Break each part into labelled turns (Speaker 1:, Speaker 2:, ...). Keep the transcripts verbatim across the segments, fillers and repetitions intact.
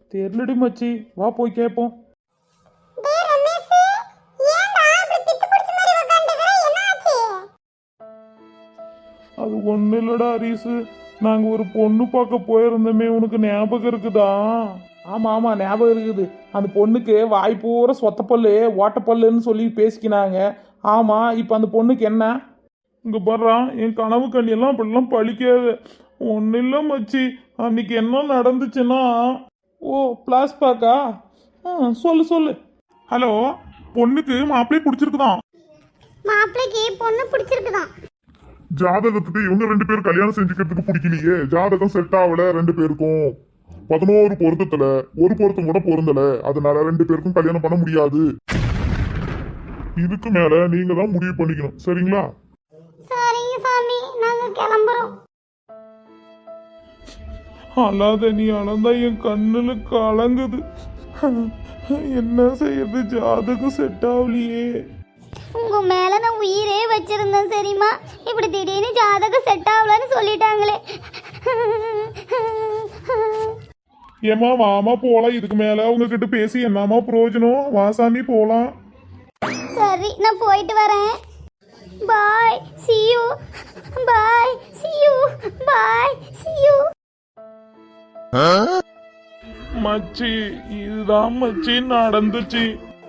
Speaker 1: தெரியலடி மச்சி, வா போய் கேட்போம்.
Speaker 2: டேய் ரமேஷ், ஏன்டா இப்படி பித்து பிடிச்ச மாதிரி உட்கார்ந்திருக்கிற? என்னாச்சு?
Speaker 1: அது ஒன்றும் இல்லடா ஹரிசு, நாங்கள் ஒரு பொண்ணு பார்க்க போயிருந்தோமே, உனக்கு ஞாபகம் இருக்குதா? ஆமாம் ஆமாம் ஞாபகம் இருக்குது. அந்த பொண்ணுக்கு வாய் பூரா சொத்தப்பல்லு ஓட்டப்பல்லுன்னு சொல்லி பேசிக்கினாங்க. ஆமாம், இப்போ அந்த பொண்ணுக்கு என்ன? இங்கே பர்றான், என் கனவு கண்ணியெல்லாம் அப்படிலாம் பழிக்காது. ஒன்றும் இல்லை மச்சி, அன்னைக்கு என்ன நடந்துச்சுன்னா, ஓ பிளாஸ்பாக்கா? ஆ சொல்லு சொல்லு. ஹலோ, பொண்ணுக்கு மாப்பிள்ளை பிடிச்சிருக்குதான்.
Speaker 2: மாப்பிளைக்கு பொண்ணு பிடிச்சிருக்குதான்.
Speaker 3: ஜாதகத்துக்கு இவங்க ரெண்டு பேரும் கல்யாணம் செஞ்சுக்கிறதுக்கு பிடிக்கலையே. ஜாதகம் செட் ஆகல ரெண்டு பேருக்கும். பதினோரு பொருத்தத்துல ஒரு பொருத்தம் கூட பொருந்தல. அதனால ரெண்டு பேருக்கும் கல்யாணம் பண்ண முடியாது. இதுக்கு மேல நீங்க தான் முடிவு பண்ணிக்கணும், சரிங்களா?
Speaker 2: சரிங்க சாமி, நாங்க கிளம்புறோம்.
Speaker 1: அல்லாத நீ அளந்தா என் கண்ணுல கலங்குது. என்ன செய்யறது, ஜாதகம் செட் ஆகலையே.
Speaker 2: உங்க மேல நான் உயிரே வச்சிருந்தேன் சரிம்மா. இப்படி திடீர்னு ஜாதகம் செட் ஆகலன்னு சொல்லிட்டாங்களே.
Speaker 1: ஏமா வாமா போலாம். இதுக்கு மேல உங்ககிட்ட பேசி என்னமா பிரயோஜனம்? வாசாமி போலாம்.
Speaker 2: சரி, நான் போயிட்டு வரேன். பாய், see you. Bye, see you. Bye, see you.
Speaker 1: மச்சி, இதுதான் மச்சி நடந்துச்சு.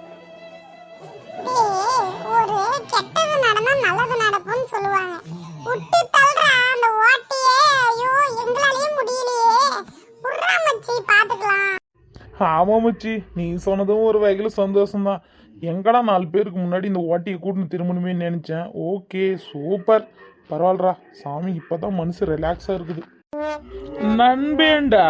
Speaker 2: ஒரு கெட்டது நடந்தா நல்லது நடக்கும்னு சொல்லுவாங்க. விட்டு தள்ளுறா அந்த ஓட்டியே. ஐயோ, எங்களாலயே முடியலையே. உர்றா மச்சி, பாத்துக்கலாம்.
Speaker 1: ஆமா மச்சி, நீ சொன்னதும் ஒரு வகையில் சந்தோஷம்தான். எங்கடா நாலு பேருக்கு முன்னாடி இந்த ஓட்டியை கூட்டின்னு திரும்பணுமே நினைச்சேன். ஓகே சூப்பர், பரவாயில்லடா சாமி, இப்பதான் மனசு ரிலாக்ஸா இருக்குது. நண்பேண்டா,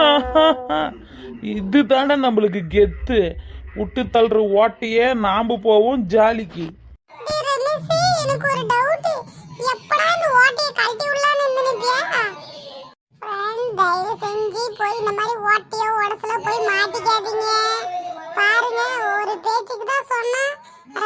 Speaker 1: இது தாண்டா நம்மளுக்கு கெத்து. விட்டு தள்ளுற ஓட்டியே நாம போவோம் ஜாலிக்கு.
Speaker 2: டேய் ரமேஷ், எனக்கு ஒரு டவுட். எப்படா இந்த ஓட்டியை கழட்டி விடலாம்னு நினைப்பியா? ஃப்ரெண்ட், தயவு செஞ்சு போய் இந்த மாதிரி ஓட்டியோ உடசுல போய் மாட்டிக்காதீங்க. பாருங்க, ஒரு பேச்சுக்கு தான் சொன்னா